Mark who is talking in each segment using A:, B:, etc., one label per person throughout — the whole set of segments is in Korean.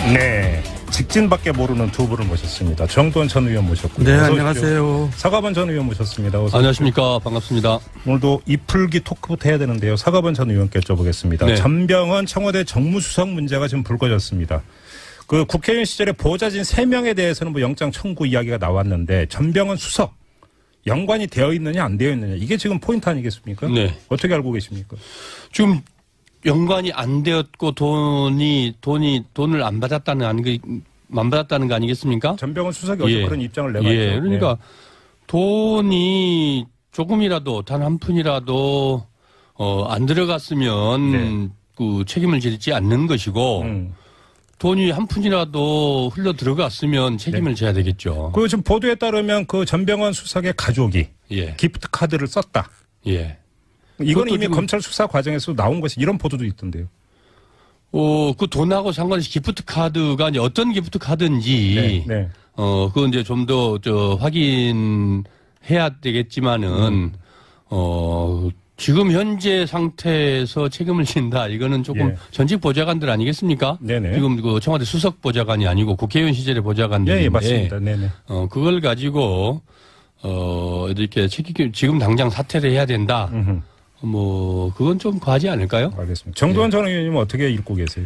A: 네, 직진밖에 모르는 두 분을 모셨습니다. 정도원 전 의원 모셨고요.
B: 네, 안녕하세요.
A: 사과반 전 의원 모셨습니다. 어서
C: 안녕하십니까. 반갑습니다.
A: 오늘도 이풀기 토크부터 해야 되는데요. 사과반 전 의원께 여쭤보겠습니다.
C: 네.
A: 전병헌 청와대 정무수석 문제가 지금 불거졌습니다. 그 국회의원 시절에 보좌진 3명에 대해서는 뭐 영장 청구 이야기가 나왔는데 전병헌 수석 연관이 되어 있느냐 안 되어 있느냐 이게 지금 포인트 아니겠습니까?
C: 네.
A: 어떻게 알고 계십니까?
C: 지금 연관이 안 되었고 돈을 안 받았다는 거 아니겠습니까?
A: 전병헌 수석이 어제 그런 입장을 내봤죠.
C: 예. 그러니까 돈이 조금이라도 단 한 푼이라도 안 들어갔으면
A: 네.
C: 그 책임을 지지 않는 것이고 돈이 한 푼이라도 흘러 들어갔으면 책임을 져야 되겠죠.
A: 그 지금 보도에 따르면 그 전병헌 수석의 가족이
C: 예.
A: 기프트 카드를 썼다.
C: 예.
A: 이건 이미
C: 지금
A: 검찰 수사 과정에서 나온 것이 이런 보도도 있던데요.
C: 그 돈하고 상관없이 기프트 카드가 이제 어떤 기프트 카드인지
A: 네.
C: 그건 이제 좀 더 확인해야 되겠지만은 지금 현재 상태에서 책임을 진다. 이거는 조금 전직 보좌관들 아니겠습니까?
A: 네네.
C: 지금 그 청와대 수석 보좌관이 아니고 국회의원 시절의 보좌관들인데.
A: 예, 맞습니다. 네네.
C: 그걸 가지고 이렇게 지금 당장 사퇴를 해야 된다. 그건 좀 과하지 않을까요?
A: 알겠습니다. 정도원 전 의원님은 어떻게 읽고 계세요?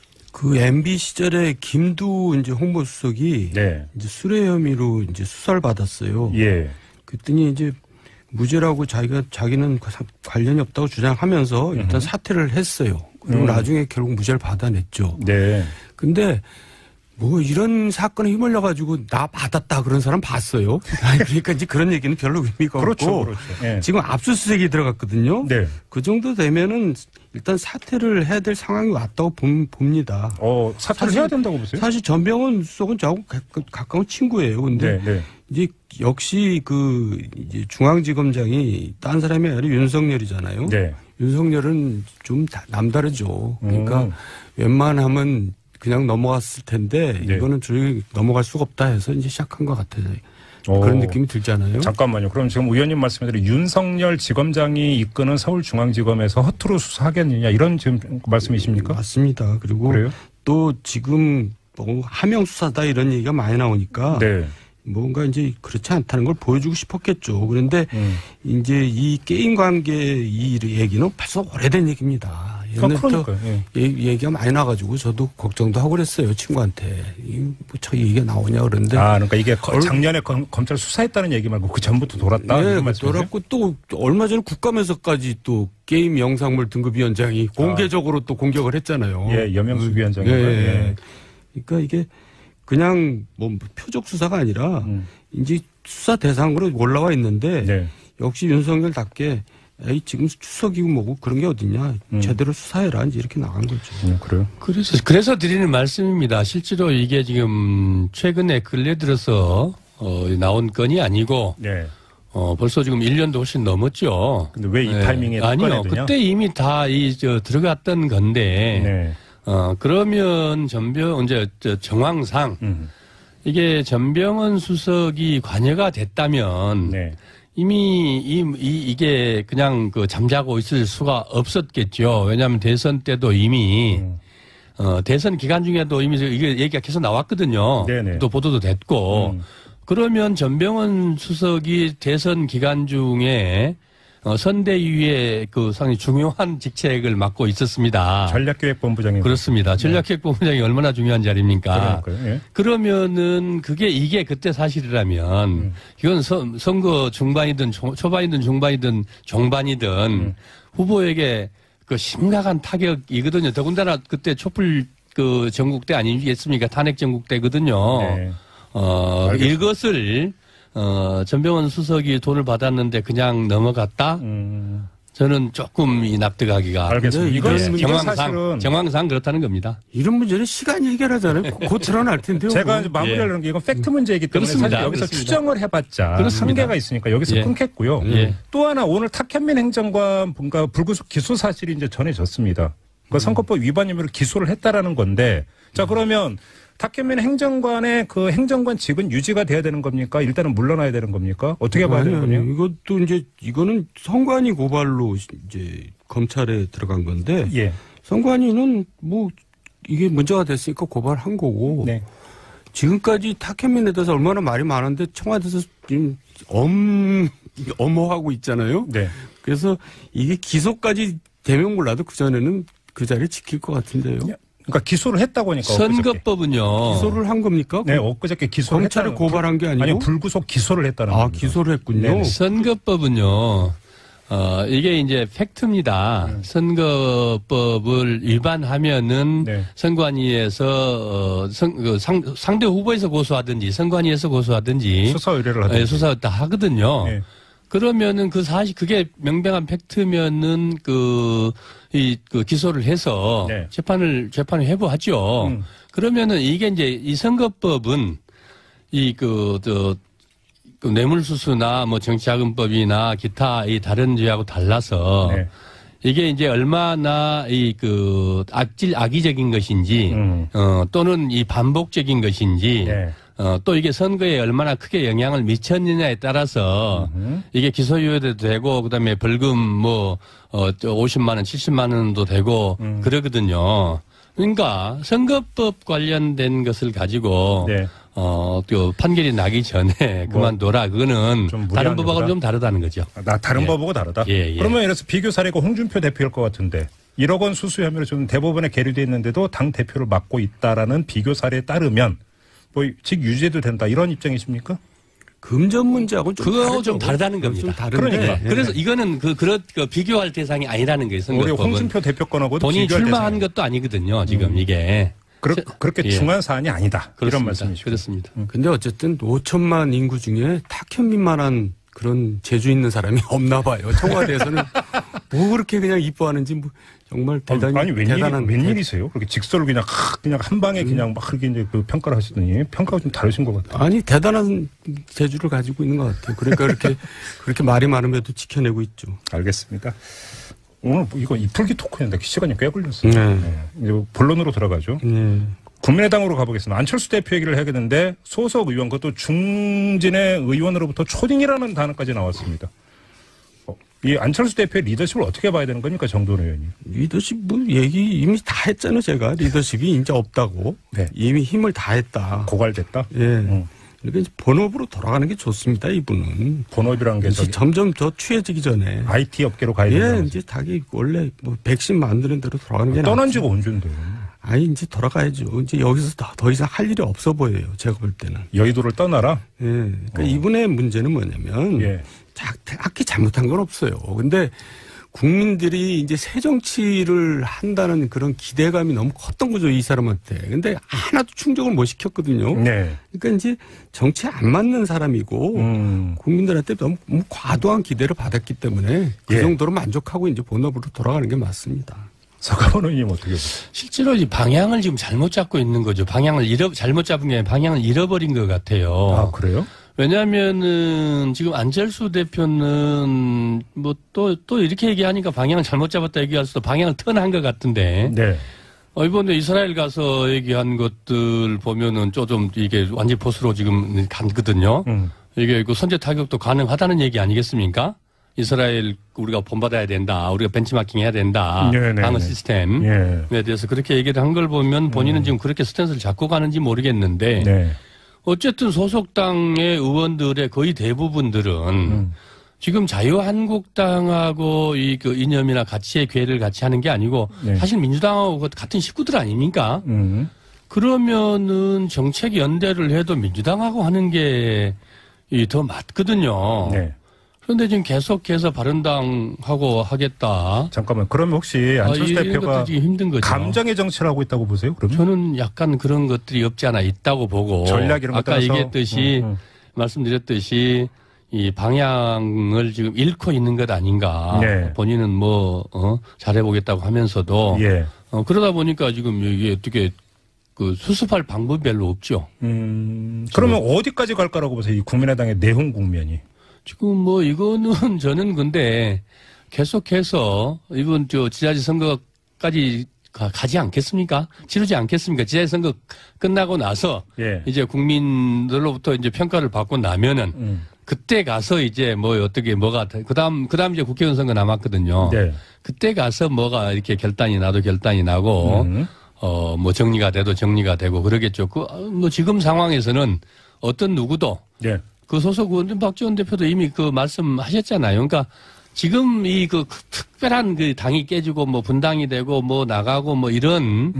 B: 그 MB 시절에 김두 이제 홍보수석이
A: 네.
B: 이제 수뢰 혐의로 이제 수사를 받았어요.
A: 예.
B: 그랬더니 이제 무죄라고 자기는 관련이 없다고 주장하면서 일단 사퇴를 했어요. 그리고 나중에 결국 무죄를 받아냈죠.
A: 네.
B: 근데 뭐 이런 사건에 휘말려 가지고 나 받았다 그런 사람 봤어요. 그러니까 이제 그런 얘기는 별로 의미가
A: 그렇죠,
B: 없고
A: 그렇죠. 예.
B: 지금 압수수색이 들어갔거든요.
A: 네.
B: 그 정도 되면은 일단 사퇴를 해야 될 상황이 왔다고 봅니다.
A: 사퇴를 해야 된다고 보세요?
B: 사실 전병헌 수석은 저하고 가까운 친구예요. 근데
A: 네.
B: 이제 역시 이제 중앙지검장이 딴 사람이 아니라 윤석열이잖아요.
A: 네.
B: 윤석열은 좀 남다르죠. 그러니까 웬만하면 그냥 넘어갔을 텐데
A: 네.
B: 이거는 조용히 넘어갈 수가 없다 해서 이제 시작한 것 같아요. 그런 느낌이 들잖아요.
A: 잠깐만요. 그럼 지금 의원님 말씀대로 윤석열 지검장이 이끄는 서울중앙지검에서 허투루 수사하겠느냐 이런 지금 말씀이십니까?
B: 맞습니다. 그리고
A: 그래요?
B: 또 지금 뭐 하명 수사다 이런 얘기가 많이 나오니까
A: 네.
B: 뭔가 이제 그렇지 않다는 걸 보여주고 싶었겠죠. 그런데 이제 이 게임 관계 이 얘기는 벌써 오래된 얘기입니다.
A: 그러니까요.
B: 얘기가 많이 나가지고 저도 걱정도 하고 그랬어요. 친구한테. 저 얘기가 나오냐 그러는데.
A: 그러니까 이게 작년에 검찰 수사했다는 얘기 말고 그 전부터 돌았다?
B: 네, 돌았고 또 얼마 전에 국감에서까지 또 게임 영상물 등급위원장이 공개적으로 또 공격을 했잖아요.
A: 예, 여명수 위원장이.
B: 예. 그러니까 이게 그냥 뭐 표적 수사가 아니라 이제 수사 대상으로 올라와 있는데
A: 네.
B: 역시 윤석열답게 지금 추석이고 뭐고 그런 게 어딨냐. 제대로 수사해라. 이제 이렇게 나간 거죠.
A: 그래요?
C: 그래서 드리는 말씀입니다. 실제로 이게 지금 최근에 근래 들어서 나온 건이 아니고
A: 네.
C: 벌써 지금 1년도 훨씬 넘었죠.
A: 근데 왜 이 타이밍에
C: 아니요.
A: 꺼내드냐?
C: 그때 이미 다 들어갔던 건데
A: 네.
C: 그러면 정황상 이게 전병헌 수석이 관여가 됐다면
A: 네.
C: 이미 이게 그냥 잠자고 있을 수가 없었겠죠. 왜냐하면 대선 때도 이미 대선 기간 중에도 이미 이게 얘기가 계속 나왔거든요.
A: 네네.
C: 또 보도도 됐고 그러면 전병헌 수석이 대선 기간 중에 선대위의 상당히 중요한 직책을 맡고 있었습니다.
A: 전략기획본부장님.
C: 그렇습니다. 전략기획본부장이 얼마나 중요한 자리입니까?
A: 그러니까요. 예.
C: 그러면은 이게 그때 사실이라면 이건 선거 중반이든 초반이든 중반이든 종반이든 후보에게 심각한 타격이거든요. 더군다나 그때 촛불 전국대 아니겠습니까? 탄핵 전국대거든요.
A: 네.
C: 이것을 전병헌 수석이 돈을 받았는데 그냥 넘어갔다? 저는 조금 납득하기가.
A: 알겠습니다.
C: 이건 정황상 그렇다는 겁니다.
B: 이런 문제는 시간이 해결하잖아요. 곧 드러날 텐데요.
A: 제가 이제 마무리하려는 게 이건 팩트 문제이기 때문에
C: 그렇습니다.
A: 사실 여기서
C: 그렇습니다.
A: 추정을 해봤자 한계가 있으니까 여기서 끊겠고요. 또 하나 오늘 탁현민 행정관 불구속 기소 사실이 이제 전해졌습니다. 그 선거법 위반 혐의로 기소를 했다라는 건데 자 그러면 탁현민 행정관의 그 행정관직은 유지가 돼야 되는 겁니까? 일단은 물러나야 되는 겁니까? 어떻게 봐야 되는 거냐?
B: 이것도 이제 이거는 선관위 고발로 이제 검찰에 들어간 건데
A: 예.
B: 선관위는 뭐 이게 문제가 됐으니까 고발한 거고.
A: 네.
B: 지금까지 탁현민에 대해서 얼마나 말이 많은데 청와대에서 지금 엄호하고 있잖아요.
A: 네.
B: 그래서 이게 기소까지 되면 몰라도 그전에는 그 자리에 지킬 것 같은데요.
A: 그러니까 기소를 했다고 하니까.
C: 선거법은요.
B: 기소를 한 겁니까?
A: 네, 엊그저께 기소를
B: 검찰을 고발한 게 아니고?
A: 아니, 불구속 기소를 했다는 겁니다.
B: 기소를 했군요.
A: 네.
C: 선거법은요. 이게 이제 팩트입니다. 선거법을 위반하면은
A: 네.
C: 선관위에서 상대 후보에서 고소하든지 선관위에서 고소하든지
A: 수사 의뢰를 하든지.
C: 수사 다 하거든요.
A: 네.
C: 그러면은 그게 명백한 팩트면은 그 기소를 해서
A: 네.
C: 재판을 회부하죠. 그러면은 이게 이제 이 선거법은 그 뇌물수수나 뭐 정치자금법이나 기타 이 다른 죄하고 달라서
A: 네.
C: 이게 이제 얼마나 악의적인 것인지 또는 이 반복적인 것인지
A: 네.
C: 또 이게 선거에 얼마나 크게 영향을 미쳤느냐에 따라서 이게 기소유예도 되고 그다음에 벌금 50만 원, 70만 원도 되고 그러거든요. 그러니까 선거법 관련된 것을 가지고
A: 네.
C: 또 판결이 나기 전에 그만둬라. 그거는 다른 법하고는 좀 다르다는 거죠.
A: 다른 법하고 다르다?
C: 예.
A: 그러면 이래서 비교 사례가 홍준표 대표일 것 같은데 1억 원 수수 혐의로 지금 대법원에 계류돼 있는데도 당 대표를 맡고 있다라는 비교 사례에 따르면 직 유죄도 된다 이런 입장이십니까?
B: 금전 문제하고는
C: 좀 다르다는 겁니다.
B: 좀 다른데.
A: 그러니까.
C: 그래서 이거는 비교할 대상이 아니라는 거예요.
A: 우리 홍준표 대표 건하고도
C: 본인이
A: 비교할
C: 출마한
A: 대상이.
C: 것도 아니거든요. 지금 이게.
A: 그렇게 중요한 사안이 아니다.
C: 그렇습니다.
A: 이런 말씀이시죠.
C: 그렇습니다.
B: 근데 어쨌든 5천만 인구 중에 탁현민만한 그런 재주 있는 사람이 없나 봐요. 청와대에서는 뭐 그렇게 그냥 이뻐하는지 정말 대단히 대단한
A: 웬일이세요? 그렇게 직설을 그냥 한 방에 그냥 막 그렇게 이제 그 평가를 하시더니 평가가 좀 다르신 것 같아요.
B: 아니 대단한 재주를 가지고 있는 것 같아요. 그러니까 그렇게 말이 많음에도 지켜내고 있죠.
A: 알겠습니다. 오늘 이거 이풀기 토크였는데 시간이 꽤 걸렸어요.
B: 네.
A: 이제 본론으로 들어가죠.
B: 네.
A: 국민의당으로 가보겠습니다. 안철수 대표 얘기를 해야겠는데 소속 의원 그것도 중진의 의원으로부터 초딩이라는 단어까지 나왔습니다. 이 안철수 대표의 리더십을 어떻게 봐야 되는 겁니까, 정도원 의원이?
B: 리더십 얘기 이미 다 했잖아요. 제가 리더십이 이제 없다고.
A: 네.
B: 이미 힘을 다 했다.
A: 고갈됐다.
B: 예. 그러니까 이제 본업으로 돌아가는 게 좋습니다. 이분은.
A: 본업이란 게
B: 점점 더 취해지기 전에.
A: IT 업계로 가야 된다.
B: 이제 자기 원래 백신 만드는 대로 돌아가는 게
A: 떠난 지가 언젠데요?
B: 이제 돌아가야죠. 이제 여기서 더 이상 할 일이 없어 보여요. 제가 볼 때는.
A: 여의도를 떠나라?
B: 예. 그러니까 이분의 문제는 뭐냐면 딱히 잘못한 건 없어요. 근데 국민들이 이제 새 정치를 한다는 그런 기대감이 너무 컸던 거죠, 이 사람한테. 근데 하나도 충족을 못 시켰거든요.
A: 네.
B: 그러니까 이제 정치에 안 맞는 사람이고 국민들한테 너무 과도한 기대를 받았기 때문에 그 정도로 만족하고 이제 본업으로 돌아가는 게 맞습니다.
A: 서가원 의원님 어떻게 보세요?
C: 실제로 이 방향을 지금 잘못 잡고 있는 거죠. 잘못 잡은 게 아니라 방향을 잃어버린 것 같아요.
A: 아, 그래요?
C: 왜냐하면은 지금 안철수 대표는 뭐 또 이렇게 얘기하니까 방향을 잘못 잡았다 얘기할 수도 방향을 턴한 것 같은데.
A: 네.
C: 이번에 이스라엘 가서 얘기한 것들 보면은 좀 이게 완전 보수로 지금 갔거든요. 이게 그 선제 타격도 가능하다는 얘기 아니겠습니까? 이스라엘 우리가 본받아야 된다. 우리가 벤치마킹 해야 된다. 방어 시스템에 대해서 그렇게 얘기를 한 걸 보면 본인은 지금 그렇게 스탠스를 잡고 가는지 모르겠는데
A: 네.
C: 어쨌든 소속당의 의원들의 거의 대부분들은 지금 자유한국당하고 그 이념이나 가치의 괴를 같이 하는 게 아니고 사실 민주당하고 같은 식구들 아닙니까? 그러면은 정책 연대를 해도 민주당하고 하는 게 더 맞거든요.
A: 네.
C: 그런데 지금 계속해서 바른당하고 하겠다.
A: 잠깐만. 그러면 혹시 안철수 대표가
C: 힘든 거죠.
A: 감정의 정치를 하고 있다고 보세요? 그러면?
C: 저는 약간 그런 것들이 없지 않아 있다고 보고.
A: 전략 이런 것
C: 아까 얘기했듯이 말씀드렸듯이 이 방향을 지금 잃고 있는 것 아닌가.
A: 네.
C: 본인은 잘해보겠다고 하면서도. 그러다 보니까 지금 이게 어떻게 그 수습할 방법이 별로 없죠.
A: 그러면 어디까지 갈까라고 보세요? 이 국민의당의 내홍 국면이.
C: 지금 이거는 저는 근데 계속해서 이번 지자체 선거까지 가지 않겠습니까? 치르지 않겠습니까? 지자체 선거 끝나고 나서 이제 국민들로부터 이제 평가를 받고 나면은 그때 가서 이제 그다음 이제 국회의원 선거 남았거든요. 그때 가서 뭐가 이렇게 결단이 나고 뭐 정리가 돼도 정리가 되고 그러겠죠. 뭐 지금 상황에서는 어떤 누구도
A: 예.
C: 그 소속 의원 박지원 대표도 이미 그 말씀하셨잖아요. 그러니까 지금 이 그 특별한 그 당이 깨지고 뭐 분당이 되고 뭐 나가고 뭐 이런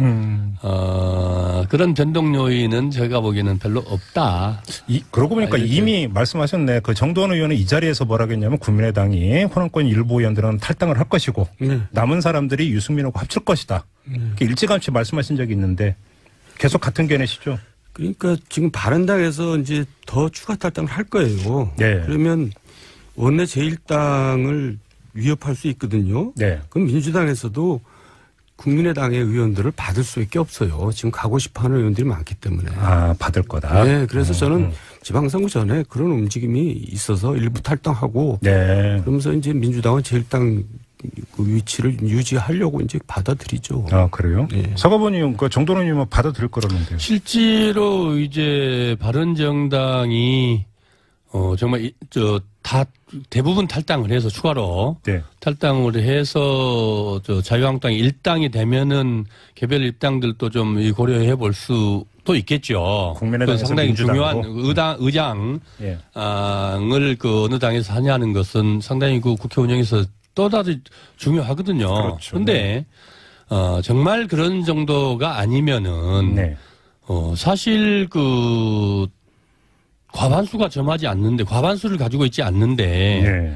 C: 그런 변동 요인은 제가 보기에는 별로 없다.
A: 그러고 보니까 이미 말씀하셨네. 그 정도원 의원은 이 자리에서 뭐라고 했냐면 국민의당이 호남권 일부 의원들은 탈당을 할 것이고 남은 사람들이 유승민하고 합칠 것이다. 일찌감치 말씀하신 적이 있는데 계속 같은 견해시죠?
B: 그러니까 지금 바른당에서 이제 더 추가 탈당을 할 거예요.
A: 네.
B: 그러면 원내 제1당을 위협할 수 있거든요.
A: 네.
B: 그럼 민주당에서도 국민의당의 의원들을 받을 수밖에 없어요. 지금 가고 싶어하는 의원들이 많기 때문에.
A: 아, 받을 거다.
B: 네, 그래서 저는 지방선거 전에 그런 움직임이 있어서 일부 탈당하고,
A: 네.
B: 그러면서 이제 민주당은 제1당 그 위치를 유지하려고 이제 받아들이죠.
A: 아, 그래요?
B: 네.
A: 서가모님, 그 정도원 의원은 받아들일 거라는데요.
C: 실제로 이제 바른정당이 정말 다 대부분 탈당을 해서 추가로
A: 네.
C: 탈당을 해서 자유한국당이 일당이 되면은 개별 입당들도 좀 고려해 볼 수도 있겠죠.
A: 국민의당에서
C: 상당히
A: 민주당으로.
C: 중요한 의장을
A: 예.
C: 그 어느 당에서 하냐는 것은 상당히 그 국회 운영에서 또다시 중요하거든요.
A: 그렇죠.
C: 그런데 정말 그런 정도가 아니면은
A: 네.
C: 사실 그 과반수가 점하지 않는데 과반수를 가지고 있지 않는데
A: 네.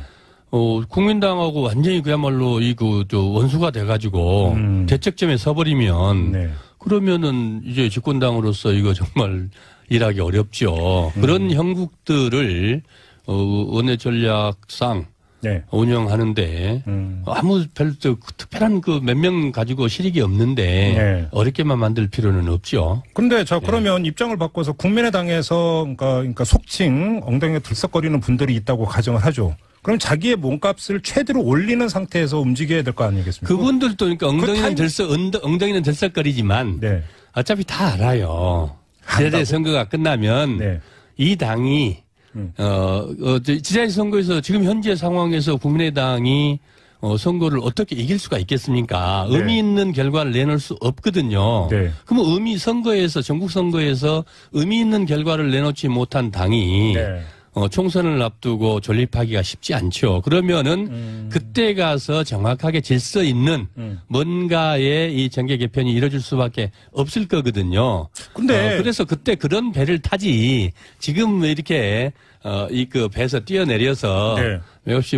C: 국민당하고 완전히 그야말로 원수가 돼가지고 대척점에 서버리면
A: 네.
C: 그러면은 이제 집권당으로서 이거 정말 일하기 어렵죠. 그런 형국들을 원내 전략상
A: 네.
C: 운영하는데 아무 별 특별한 그 몇 명 가지고 실익이 없는데
A: 네.
C: 어렵게만 만들 필요는 없죠.
A: 근데 그러면 입장을 바꿔서 국민의당에서 그러니까 속칭 엉덩이에 들썩거리는 분들이 있다고 가정을 하죠. 그럼 자기의 몸값을 최대로 올리는 상태에서 움직여야 될 거 아니겠습니까?
C: 그분들도 그러니까 엉덩이는 들썩거리지만
A: 네.
C: 어차피 다 알아요. 지자체 선거가 끝나면
A: 네.
C: 이 당이 지자체 선거에서 지금 현재 상황에서 국민의당이 선거를 어떻게 이길 수가 있겠습니까?
A: 네.
C: 의미 있는 결과를 내놓을 수 없거든요.
A: 네.
C: 그러면 전국 선거에서 의미 있는 결과를 내놓지 못한 당이
A: 네.
C: 총선을 앞두고 존립하기가 쉽지 않죠. 그러면은 그때 가서 정확하게 질서 있는 뭔가의 이 정계 개편이 이루어질 수밖에 없을 거거든요.
A: 근데
C: 그래서 그때 그런 배를 타지 지금 이렇게 그 배에서 뛰어내려서
A: 네.
C: 역시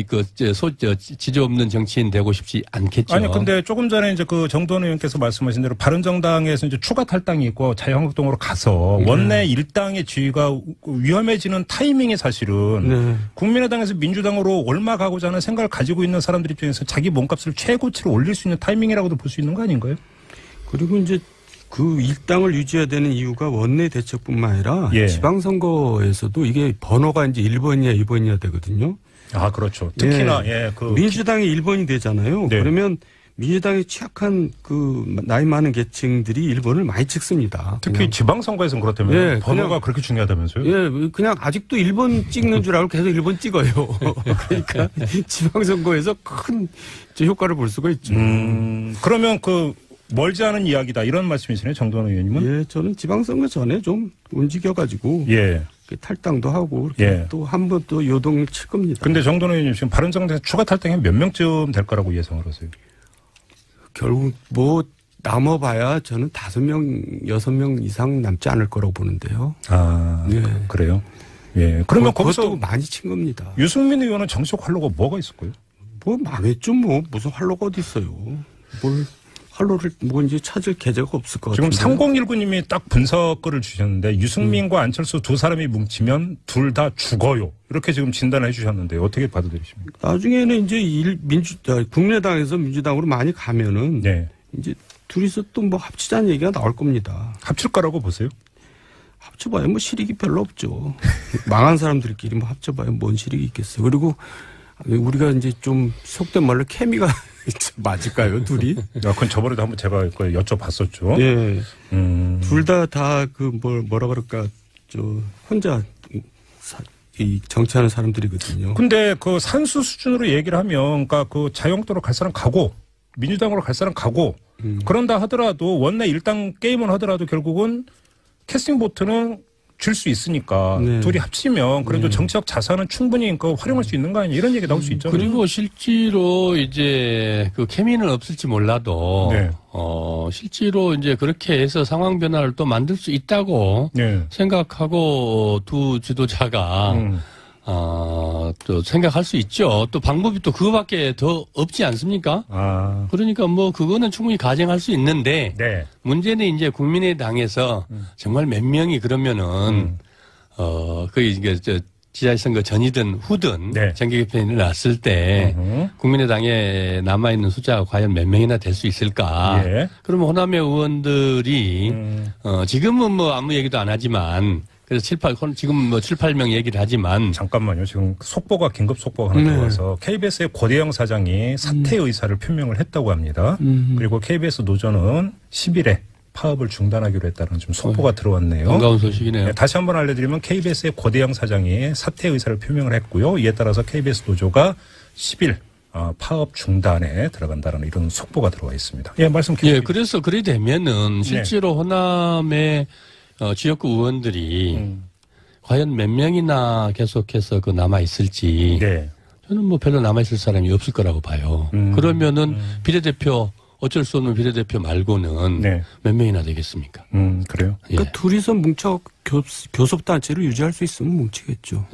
C: 지조 없는 정치인 되고 싶지 않겠죠.
A: 아니 근데 조금 전에 이제 그 정도원 의원께서 말씀하신 대로 바른정당에서 이제 추가 탈당이 있고 자유한국당으로 가서 원내 일당의 지위가 위험해지는 타이밍이 사실은 국민의당에서 민주당으로 올라가고자 하는 생각을 가지고 있는 사람들 입장에서 자기 몸값을 최고치로 올릴 수 있는 타이밍이라고도 볼 수 있는 거 아닌가요?
B: 그리고 이제 그 일당을 유지해야 되는 이유가 원내 대책뿐만 아니라
A: 예.
B: 지방선거에서도 이게 번호가 이제 1번이냐 2번이냐 되거든요.
A: 아, 그렇죠. 특히나,
B: 민주당이 1번이 되잖아요.
A: 네.
B: 그러면 민주당에 취약한 나이 많은 계층들이 1번을 많이 찍습니다.
A: 특히 지방선거에서는 그렇다면
B: 예,
A: 번호가 그렇게 중요하다면서요?
B: 예, 그냥 아직도 1번 찍는 줄 알고 계속 1번 찍어요. 그러니까 지방선거에서 큰 효과를 볼 수가 있죠.
A: 그러면 멀지 않은 이야기다 이런 말씀이시네요, 정도원 의원님은?
B: 예, 저는 지방선거 전에 좀 움직여가지고 탈당도 하고 또 한 번 또 요동을 칠 겁니다.
A: 근데 정도원 의원님 지금 바른정당에서 추가 탈당이 몇 명쯤 될 거라고 예상을 하세요?
B: 결국 남아봐야 저는 5명, 6명 이상 남지 않을 거라고 보는데요.
A: 아, 그래요? 예. 그러면 거기서
B: 많이 친 겁니다.
A: 유승민 의원은 정치적 활로가 뭐가 있을까요?
B: 망했죠, 무슨 활로가 어디 있어요. 활로를 이제 찾을 계제가 없을 것 같아요.
A: 지금 3019님이 딱 분석글을 주셨는데 유승민과 안철수 두 사람이 뭉치면 둘 다 죽어요. 이렇게 지금 진단을 해주셨는데 어떻게 받아들이십니까?
B: 나중에는 이제 국민의당에서 민주당으로 많이 가면은 이제 둘이서 또 합치자는 얘기가 나올 겁니다.
A: 합칠 거라고 보세요?
B: 합쳐봐야 실익이 별로 없죠. 망한 사람들끼리 합쳐봐야 뭔 실익이 있겠어요. 그리고 우리가 이제 좀 속된 말로 케미가 맞을까요, 둘이?
A: 그건 저번에도 한번 제가 여쭤봤었죠.
B: 예. 둘 다 뭐라 그럴까, 혼자 정치하는 사람들이거든요.
A: 근데 산수 수준으로 얘기를 하면, 그러니까 자유한국당으로 갈 사람 가고, 민주당으로 갈 사람 가고, 그런다 하더라도 원내 일당 게임을 하더라도 결국은 캐스팅 보트는 줄 수 있으니까
B: 네.
A: 둘이 합치면 그래도 정치적 자산은 충분히 활용할 수 있는 거 아니냐 이런 얘기 나올 수 있죠.
C: 그리고 실제로 이제 그 케미는 없을지 몰라도
A: 네.
C: 실제로 이제 그렇게 해서 상황 변화를 또 만들 수 있다고
A: 네.
C: 생각하고 두 지도자가 또 생각할 수 있죠. 또 방법이 또 그거밖에 더 없지 않습니까? 그러니까 뭐 그거는 충분히 가정할 수 있는데
A: 네.
C: 문제는 이제 국민의당에서 정말 몇 명이 그러면은 거의 이게 지자선거 전이든 후든
A: 네.
C: 정계 개편이 났을 때 국민의당에 남아있는 숫자가 과연 몇 명이나 될 수 있을까?
A: 예.
C: 그러면 호남의 의원들이 지금은 뭐 아무 얘기도 안 하지만 그래서 지금 뭐 7, 8명 얘기를 하지만.
A: 잠깐만요. 지금 속보가, 긴급 속보가 하나 들어와서 KBS의 고대영 사장이 사퇴 의사를 표명을 했다고 합니다. 그리고 KBS 노조는 10일에 파업을 중단하기로 했다는 좀 속보가 들어왔네요.
C: 반가운 소식이네요.
A: 네, 다시 한번 알려드리면 KBS의 고대영 사장이 사퇴 의사를 표명을 했고요. 이에 따라서 KBS 노조가 10일 파업 중단에 들어간다는 이런 속보가 들어와 있습니다. 예, 말씀 계속.
C: 예, 그래서 그래 되면은 실제로 호남의 지역구 의원들이 과연 몇 명이나 계속해서 남아 있을지
A: 네.
C: 저는 뭐 별로 남아 있을 사람이 없을 거라고 봐요. 그러면은 비례대표 어쩔 수 없는 비례대표 말고는
A: 네.
C: 몇 명이나 되겠습니까?
A: 그래요?
C: 예.
B: 그러니까 둘이서 뭉쳐 교섭단체를 유지할 수 있으면 뭉치겠죠.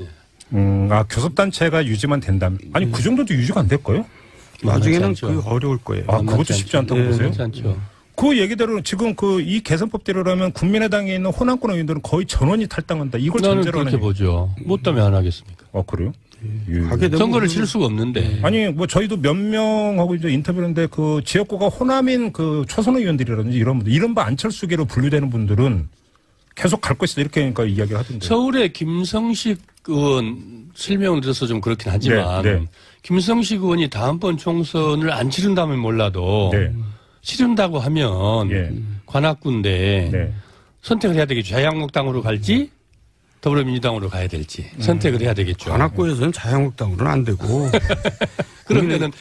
A: 교섭단체가 유지만 된다면. 아니, 그 정도도 유지가 안 될까요?
B: 나중에는 그 어려울 거예요.
A: 그것도 쉽지 않다고 보세요?
C: 그렇지 않죠.
A: 그 얘기대로 지금 이 개선법대로라면 국민의당에 있는 호남권 의원들은 거의 전원이 탈당한다. 이걸
C: 나는
A: 전제로
C: 그렇게 보죠. 못 하면 안 하겠습니까?
A: 그래요?
C: 선거를 치를 수가 없는데.
A: 아니, 뭐 저희도 몇 명하고 이제 인터뷰했는데 그 지역구가 호남인 그 초선 의원들이라든지 이런 분들, 이른바 안철수계로 분류되는 분들은 계속 갈 것이다 이렇게 그러니까 이야기를 하던데.
C: 서울의 김성식 의원 실명을 들어서 좀 그렇긴 하지만
A: 네.
C: 김성식 의원이 다음번 총선을 안 치른다면 몰라도
A: 네.
C: 치른다고 하면
A: 예.
C: 관악구인데
A: 네.
C: 선택을 해야 되겠죠. 자유한국당으로 갈지 더불어민주당으로 가야 될지 선택을 해야 되겠죠.
B: 관악구에서는 자유한국당으로는 안 되고.
C: 그러면은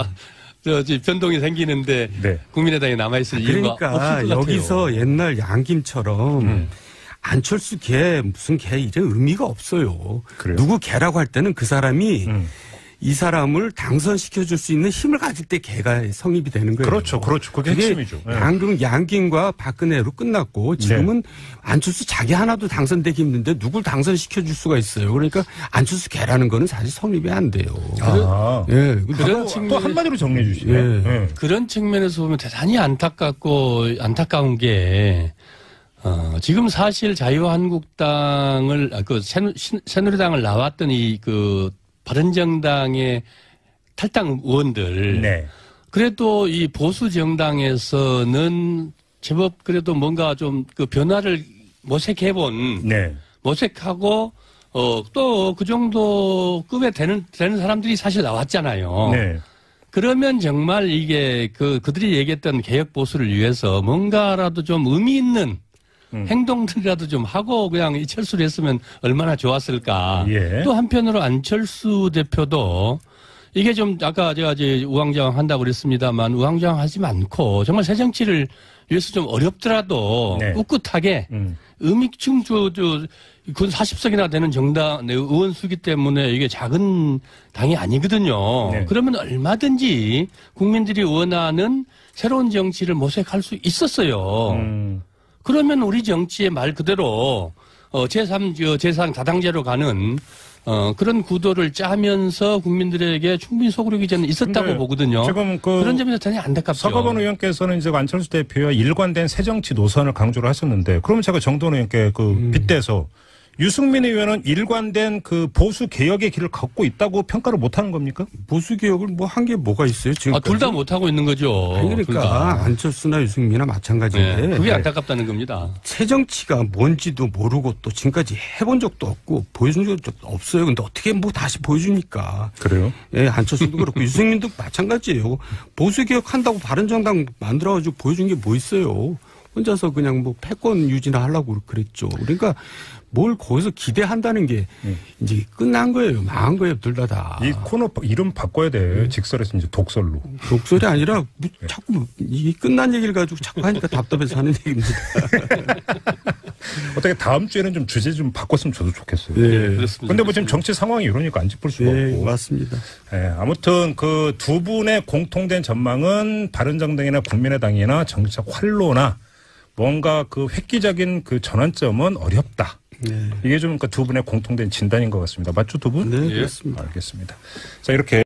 C: 변동이 생기는데
A: 네.
C: 국민의당에 남아있을 이유가 없을 것
B: 그러니까
C: 같아요.
B: 여기서 옛날 양김처럼 안철수 개 무슨 개 이런 의미가 없어요.
A: 그래요?
B: 누구 개라고 할 때는 그 사람이 이 사람을 당선시켜줄 수 있는 힘을 가질 때 개가 성립이 되는 거예요.
A: 그렇죠. 그게 핵심이죠. 네.
B: 양김과 박근혜로 끝났고 지금은 안철수 자기 하나도 당선되기 힘든데 누굴 당선시켜줄 수가 있어요. 그러니까 안철수 개라는 거는 사실 성립이 안 돼요.
C: 그런
A: 또 한마디로 정리해 주시네.
C: 그런 측면에서 보면 대단히 안타까운 게 지금 사실 자유한국당을 새누리당을 나왔던 바른정당의 탈당 의원들.
A: 네.
C: 그래도 이 보수 정당에서는 제법 그래도 뭔가 좀 그 변화를 모색해본.
A: 네.
C: 모색하고, 또 그 정도 급에 되는 사람들이 사실 나왔잖아요.
A: 네.
C: 그러면 정말 이게 그들이 얘기했던 개혁 보수를 위해서 뭔가라도 좀 의미 있는 행동들이라도 좀 하고 그냥 이철수를 했으면 얼마나 좋았을까.
A: 예.
C: 또 한편으로 안철수 대표도 이게 좀 아까 제가 이제 우왕좌왕 한다고 그랬습니다만 우왕좌왕 하지 않고 정말 새 정치를 위해서 좀 어렵더라도
A: 네.
C: 꿋꿋하게 지금 그 40석이나 되는 정당 의원 수기 때문에 이게 작은 당이 아니거든요.
A: 네.
C: 그러면 얼마든지 국민들이 원하는 새로운 정치를 모색할 수 있었어요. 그러면 우리 정치의 말 그대로 제3 다당제로 가는 그런 구도를 짜면서 국민들에게 충분히 소구력이 저는 있었다고 보거든요.
A: 지금
C: 그런 점에서 대단히 안타깝죠.
A: 서가번 의원께서는 이제 안철수 대표와 일관된 새정치 노선을 강조를 하셨는데, 그러면 제가 정돈 의원께 빗대서 유승민 의원은 일관된 보수 개혁의 길을 걷고 있다고 평가를 못하는 겁니까?
B: 보수 개혁을 한 게 뭐가 있어요 지금?
C: 둘 다 못하고 있는 거죠.
B: 그러니까 안철수나 유승민이나 마찬가지인데.
C: 네, 그게 안타깝다는 겁니다.
B: 새 정치가 뭔지도 모르고 또 지금까지 해본 적도 없고 보여준 적도 없어요. 근데 어떻게 다시 보여주니까.
A: 그래요?
B: 예, 안철수도 그렇고 유승민도 마찬가지예요. 보수 개혁한다고 바른정당 만들어가지고 보여준 게 뭐 있어요? 혼자서 그냥 뭐 패권 유지나 하려고 그랬죠. 그러니까 뭘 거기서 기대한다는 게 이제 끝난 거예요. 망한 거예요. 둘 다.
A: 이 코너 이름 바꿔야 돼. 직설에서 이제 독설로.
B: 독설이 아니라 자꾸 이 끝난 얘기를 가지고 자꾸 하니까 답답해서 하는 얘기입니다.
A: 어떻게 다음 주에는 좀 주제 좀 바꿨으면 저도 좋겠어요.
B: 네,
C: 그렇습니다.
A: 근데 뭐 지금 정치 상황이 이러니까 안 짚을 수가
B: 네,
A: 없고.
B: 맞습니다.
A: 네, 아무튼 그 두 분의 공통된 전망은 바른정당이나 국민의당이나 정치적 활로나 뭔가 그 획기적인 그 전환점은 어렵다.
B: 네.
A: 이게 좀 그 두 분의 공통된 진단인 것 같습니다. 맞죠, 두 분?
B: 네,
C: 예.
B: 그렇습니다.
A: 알겠습니다. 자, 이렇게.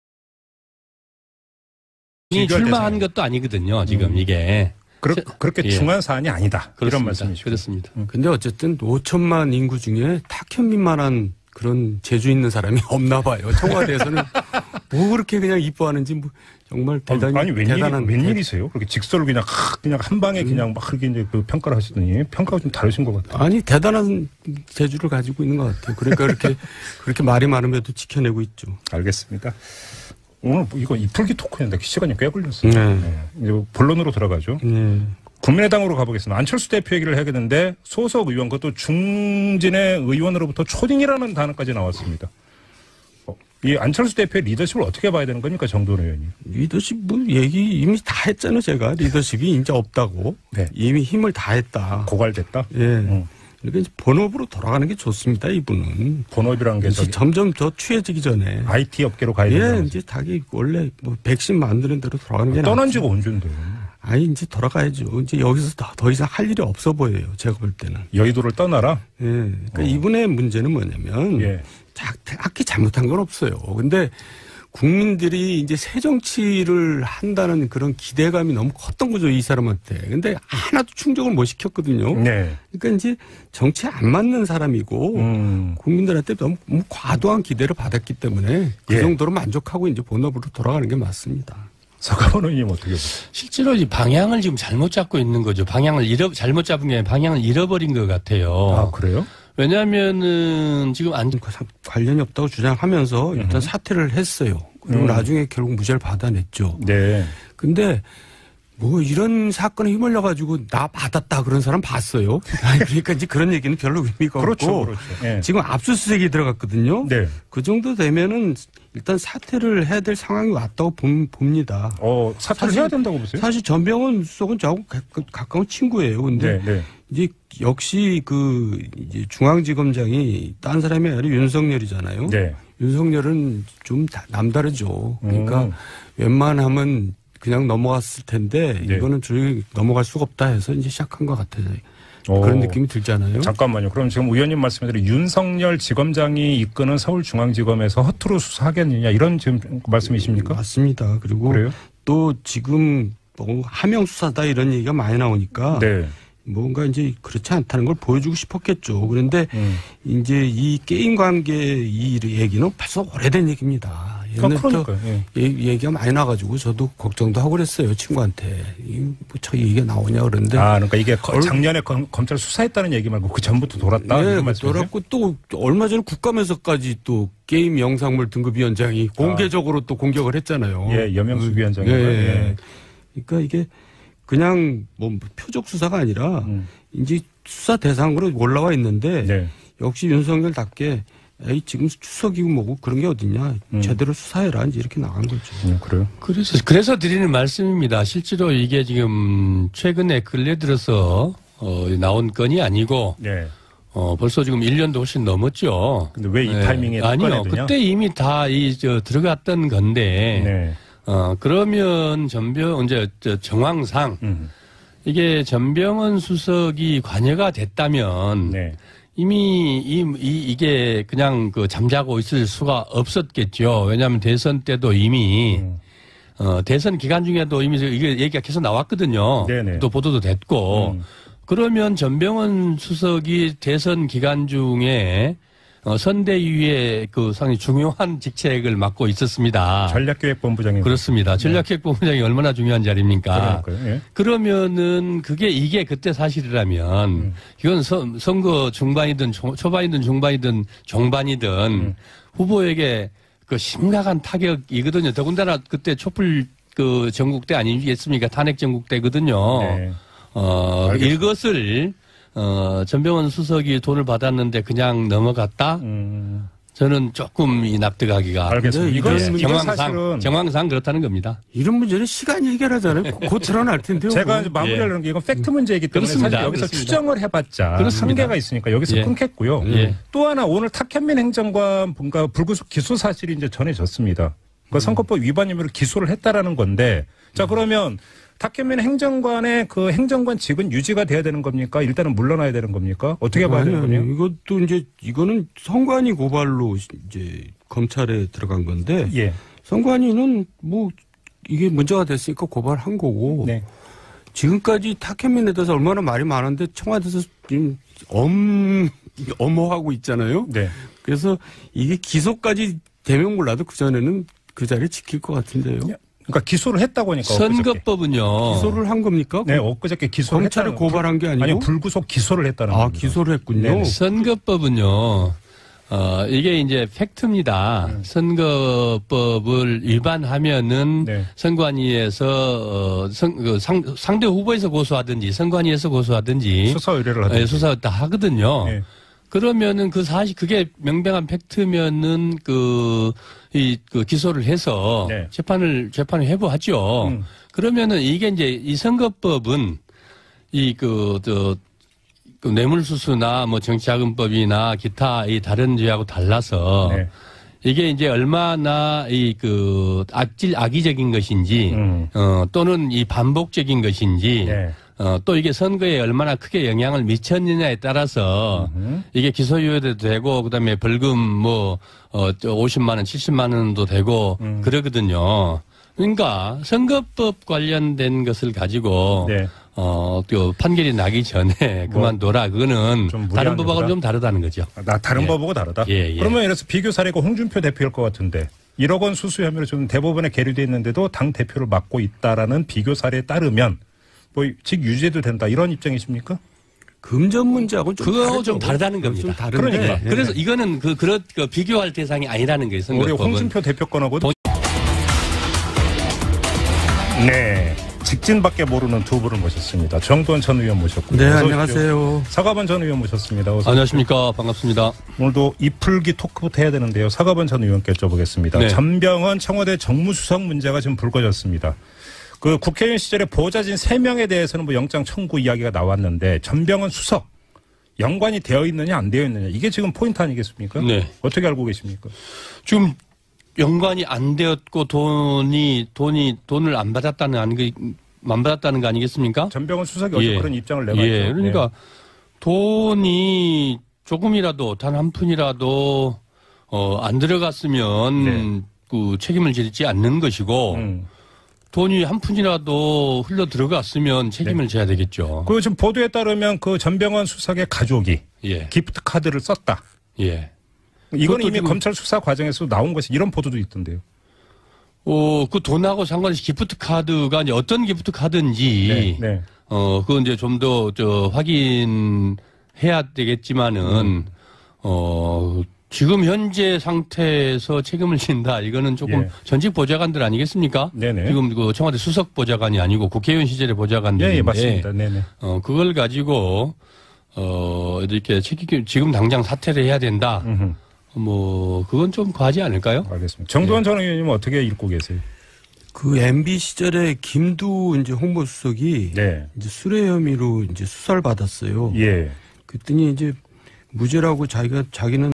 C: 출마한 것도 아니거든요, 지금 이게.
A: 그렇게
C: 예.
A: 중요한 사안이 아니다.
C: 그렇습니다.
A: 이런 말씀이시죠.
C: 그렇습니다.
B: 근데 어쨌든 5천만 인구 중에 탁현민만한 그런 재주 있는 사람이 없나 봐요. 청와대에서는 뭐 그렇게 그냥 이뻐하는지 뭐 정말 대단히
A: 아니
B: 대단한
A: 웬일이세요? 그렇게 직설로 그냥 한 방에 그냥 막 그렇게 이제 그 평가를 하시더니 평가가 좀 다르신 것 같아요.
B: 아니 대단한 재주를 가지고 있는 것 같아요. 그러니까 그렇게 말이 많음에도 지켜내고 있죠.
A: 알겠습니다. 오늘 이거 이풀기 토크였는데 시간이 꽤 걸렸어요.
B: 네.
A: 네. 이제 본론으로 들어가죠.
B: 네.
A: 국민의당으로 가보겠습니다. 안철수 대표 얘기를 해야겠는데 소속 의원 그것도 중진의 의원으로부터 초딩이라는 단어까지 나왔습니다. 이 안철수 대표의 리더십을 어떻게 봐야 되는 겁니까, 정도원 의원이?
B: 리더십 뭐 얘기 이미 다 했잖아요. 제가 리더십이 이제 없다고.
A: 네.
B: 이미 힘을 다 했다.
A: 고갈됐다.
B: 예. 그러니까 이제 본업으로 돌아가는 게 좋습니다. 이분은.
A: 본업이라는 게
B: 이제 점점 더 취해지기 전에.
A: IT 업계로 가야
B: 예,
A: 된다.
B: 이제 자기 원래 뭐 백신 만드는 대로 돌아가는 게
A: 떠난
B: 낫지.
A: 지가 언젠데.
B: 아니 이제 돌아가야죠. 이제 여기서 더 이상 할 일이 없어 보여요. 제가 볼 때는.
A: 여의도를 떠나라.
B: 예. 그러니까 이분의 문제는 뭐냐면
A: 예.
B: 딱히 잘못한 건 없어요. 근데 국민들이 이제 새 정치를 한다는 그런 기대감이 너무 컸던 거죠, 이 사람한테. 근데 하나도 충족을 못 시켰거든요.
A: 네.
B: 그러니까 이제 정치에 안 맞는 사람이고 국민들한테 너무 과도한 기대를 받았기 때문에 그
A: 예.
B: 정도로 만족하고 이제 본업으로 돌아가는 게 맞습니다.
A: 서가원 의원님 어떻게 보세요?
C: 실제로 이 방향을 지금 잘못 잡고 있는 거죠. 잘못 잡은 게 아니라 방향을 잃어버린 것 같아요.
A: 아, 그래요?
C: 왜냐하면은 지금
B: 관련이 없다고 주장하면서 일단 사퇴를 했어요. 그리고 나중에 결국 무죄를 받아냈죠.
A: 네.
B: 근데 뭐 이런 사건에 휘말려 가지고 나 받았다 그런 사람 봤어요. 그러니까 이제 그런 얘기는 별로 의미가
A: 그렇죠,
B: 없고
A: 그렇죠. 예.
B: 지금 압수수색이 들어갔거든요.
A: 네.
B: 그 정도 되면은 일단 사퇴를 해야 될 상황이 왔다고 봅니다.
A: 사퇴를 해야 된다고 보세요?
B: 사실 전병헌 수석은 저하고 가까운 친구예요. 근데
A: 네.
B: 이제 역시 이제 중앙지검장이 딴 사람이 아니라 윤석열이잖아요.
A: 네.
B: 윤석열은 좀 남다르죠. 그러니까 웬만하면 그냥 넘어갔을 텐데
A: 네.
B: 이거는 조용히 넘어갈 수가 없다 해서 이제 시작한 것 같아요. 그런 느낌이 들잖아요.
A: 잠깐만요. 그럼 지금 의원님 말씀대로 윤석열 지검장이 이끄는 서울중앙지검에서 허투루 수사하겠느냐 이런 지금 말씀이십니까?
B: 맞습니다. 그리고
A: 그래요?
B: 또 지금 뭐 하명 수사다 이런 얘기가 많이 나오니까
A: 네.
B: 뭔가 이제 그렇지 않다는 걸 보여주고 싶었겠죠. 그런데 이제 이 게임 관계 이 얘기는 벌써 오래된 얘기입니다. 옛날부터 얘기가 많이 나가지고 저도 걱정도 하고 그랬어요. 친구한테. 저 얘기가 나오냐 그런데.
A: 그러니까 이게 작년에 검찰 수사했다는 얘기 말고 그 전부터 돌았다.
B: 네, 돌았고 또 얼마 전에 국감에서까지 또 게임 영상물 등급위원장이 공개적으로 또 공격을 했잖아요.
A: 예, 여명숙 위원장이.
B: 예. 그러니까 이게 그냥 뭐 표적 수사가 아니라 이제 수사 대상으로 올라와 있는데
A: 네.
B: 역시 윤석열답게 지금 추석이고 뭐고 그런 게 어딨냐. 제대로 수사해라. 이제 이렇게 나간 거죠.
A: 그래요?
C: 그래서 드리는 말씀입니다. 실제로 이게 지금 최근에 근래 들어서 나온 건이 아니고
A: 네.
C: 벌써 지금 1년도 훨씬 넘었죠.
A: 근데 왜 이 타이밍에
C: 아니요. 그때 이미 다 들어갔던 건데.
A: 네.
C: 그러면 정황상 이게 전병헌 수석이 관여가 됐다면
A: 네.
C: 이미 이게 그냥 잠자고 있을 수가 없었겠죠. 왜냐하면 대선 때도 이미 대선 기간 중에도 이미 이게 얘기가 계속 나왔거든요.
A: 네네.
C: 또 보도도 됐고 그러면 전병헌 수석이 대선 기간 중에 선대위의 상당히 중요한 직책을 맡고 있었습니다.
A: 전략기획본부장님.
C: 그렇습니다. 전략기획본부장이 얼마나 중요한 자리입니까?
A: 예.
C: 그러면은 이게 그때 사실이라면 이건 선거 중반이든 초반이든 중반이든 종반이든 후보에게 심각한 타격이거든요. 더군다나 그때 촛불 전국대 아니겠습니까? 탄핵 전국대거든요.
A: 네.
C: 이것을 전병헌 수석이 돈을 받았는데 그냥 넘어갔다. 저는 조금 납득하기가 정황상 그렇다는 겁니다.
B: 이런 문제는 시간이 해결하잖아요. 곧 드러날 텐데요.
A: 제가 이제 마무리하려는 게 이건 팩트 문제이기 때문에 사실 여기서 추정을 해봤자 한계가 있으니까 여기서 끊겠고요. 또 하나 오늘 탁현민 행정관 뭔가 불구속 기소 사실이 이제 전해졌습니다. 그 선거법 위반 혐의로 기소를 했다라는 건데 자 그러면 탁현민 행정관의 그 행정관직은 유지가 돼야 되는 겁니까? 일단은 물러나야 되는 겁니까? 어떻게 봐야 되는 겁니까?
B: 이것도 이제 이거는 선관위 고발로 이제 검찰에 들어간 건데 선관위는 뭐 이게 문제가 됐으니까 고발한 거고 지금까지 탁현민에 대해서 얼마나 말이 많은데 청와대에서 지금 엄호하고 있잖아요. 그래서 이게 기소까지 되면 몰라도 그 전에는 그 자리 지킬 것 같은데요.
A: 그러니까 기소를 했다고 하니까.
C: 선거법은요.
B: 기소를 한 겁니까?
A: 네, 엊그저께 기소를
B: 검찰에 고발한 게 아니고?
A: 아니, 불구속 기소를 했다는 겁니다.
B: 기소를 했군요.
A: 네네.
C: 선거법은요. 이게 이제 팩트입니다. 선거법을 위반하면은 선관위에서 상대 후보에서 고소하든지 선관위에서 고소하든지
A: 수사 의뢰를 하든지
C: 수사 다 하거든요. 그러면은 그 사실 그게 명백한 팩트면은 그 기소를 해서 재판을 회부하죠. 그러면은 이게 이제 이 선거법은 그 뇌물수수나 뭐 정치자금법이나 기타 이 다른 죄하고 달라서 이게 이제 얼마나 악의적인 것인지 또는 이 반복적인 것인지 또 이게 선거에 얼마나 크게 영향을 미쳤느냐에 따라서 이게 기소유예도 되고 그다음에 벌금 뭐 50만 원, 70만 원도 되고 그러거든요. 그러니까 선거법 관련된 것을 가지고 또 판결이 나기 전에 그만둬라. 그거는 다른 법하고는 좀 다르다는 거죠.
A: 다른 법하고 다르다? 그러면 이래서 비교 사례가 홍준표 대표일 것 같은데 1억 원 수수 혐의로 지금 대법원에 계류돼 있는데도 당 대표를 맡고 있다라는 비교 사례에 따르면 뭐 직 유죄도 된다 이런 입장이십니까?
B: 금전 문제하고
C: 그거 좀 다르다는 겁니다.
B: 좀 다른데.
C: 그러니까. 그래서 이거는 그런 비교할 대상이 아니라는 거예요.
A: 우리 홍준표 대표 건하고도 직진밖에 모르는 두 분을 모셨습니다. 정도원 전 의원 모셨고요.
B: 네, 안녕하세요.
A: 사과반 전 의원 모셨습니다. 어서
C: 안녕하십니까. 반갑습니다.
A: 오늘도 이풀기 토크부터 해야 되는데요. 사과반 전 의원께 여쭤보겠습니다. 전병헌 청와대 정무수석 문제가 지금 불거졌습니다. 그 국회의원 시절에 보좌진 3명에 대해서는 뭐 영장 청구 이야기가 나왔는데 전병헌 수석 연관이 되어 있느냐 안 되어 있느냐 이게 지금 포인트 아니겠습니까? 어떻게 알고 계십니까?
C: 지금 연관이 안 되었고 돈을 안 받았다는 거 아니겠습니까?
A: 전병헌 수석이 어제 그런 입장을 내놨죠.
C: 그러니까 돈이 조금이라도 단 한 푼이라도 안 들어갔으면 그 책임을 지지 않는 것이고 돈이 한 푼이라도 흘러 들어갔으면 책임을 져야 되겠죠.
A: 그 지금 보도에 따르면 그 전병헌 수석의 가족이 기프트 카드를 썼다. 이건 이미 검찰 수사 과정에서 나온 것이 이런 보도도 있던데요.
C: 그 돈하고 상관없이 기프트 카드가 이제 어떤 기프트 카드인지 그건 이제 좀 더 확인해야 되겠지만은 지금 현재 상태에서 책임을 진다. 이거는 조금 전직 보좌관들 아니겠습니까? 지금 그 청와대 수석 보좌관이 아니고 국회의원 시절의 보좌관들인데.
A: 맞습니다.
C: 그걸 가지고 이렇게 지금 당장 사퇴를 해야 된다. 뭐 그건 좀 과하지 않을까요?
A: 알겠습니다. 정도원 전 의원님은 어떻게 읽고 계세요?
B: 그 MB 시절에 김두 이제 홍보수석이 이제 수뢰 혐의로 이제 수사를 받았어요. 그랬더니 이제 무죄라고 자기는